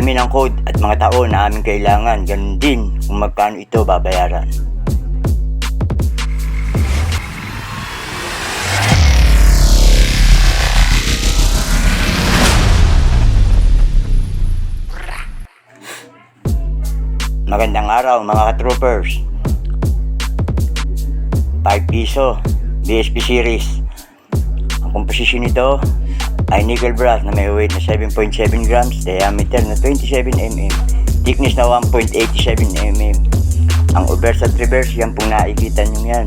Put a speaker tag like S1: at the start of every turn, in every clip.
S1: namin ang code at mga taon na aming kailangan. Ganun din kung magkano ito babayaran. Magandang araw mga ka-troopers. 5 piso BSP series. Ang komposisyon nito ay nickel brass na may weight na 7.7 grams, diameter na 27 mm, thickness na 1.87 mm. Ang obverse at reverse, yan pong nakikita nyo yan.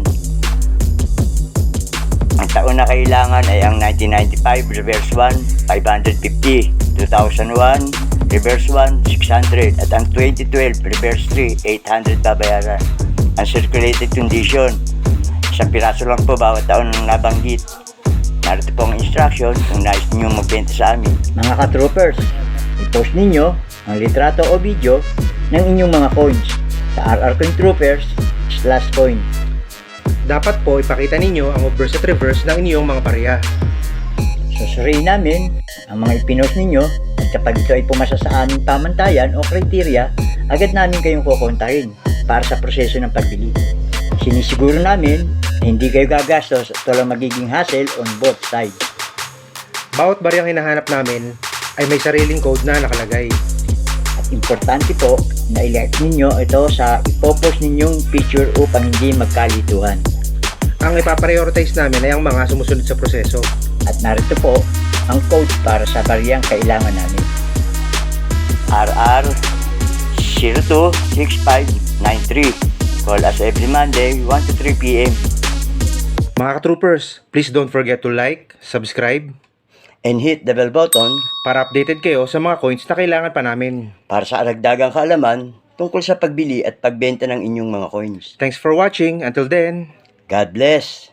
S1: Ang taon na kailangan ay ang 1995, reverse 1, 550, 2001, reverse 1, 600, at ang 2012, reverse 3, 800 babayaran. Ang circulated condition, isang piraso lang po bawat taon ng nabanggit. Narito po ang instruction kung nais ninyo magbenta sa amin. Mga ka-troopers, i-post ninyo ang litrato o video ng inyong mga coins sa RR Coin Troopers /coin.
S2: Dapat po ipakita ninyo ang obverse at reverse ng inyong mga barya.
S1: Susuriin namin ang mga ipinost ninyo at kapag ito ay pumasa sa aming pamantayan o kriteria, agad namin kayong kukontahin para sa proseso ng pagbili. Sinisiguro namin na hindi kayo gagastos at walang magiging hassle on both sides.
S2: Bawat baryang hinahanap namin ay may sariling code na nakalagay.
S1: At importante po na i-like ninyo ito sa ipopost ninyong picture upang hindi magkalituhan.
S2: Ang ipaprioritize namin ay ang mga sumusunod sa proseso.
S1: At narito po ang code para sa baryang kailangan namin. RR 026593. Call us every Monday 1 to 3 p.m.
S2: Mga ka-troopers, please don't forget to like, subscribe,
S1: and hit the bell button
S2: para updated kayo sa mga coins na kailangan pa namin.
S1: para sa aragdagang kaalaman tungkol sa pagbili at pagbenta ng inyong mga coins.
S2: Thanks for watching. Until then,
S1: God bless!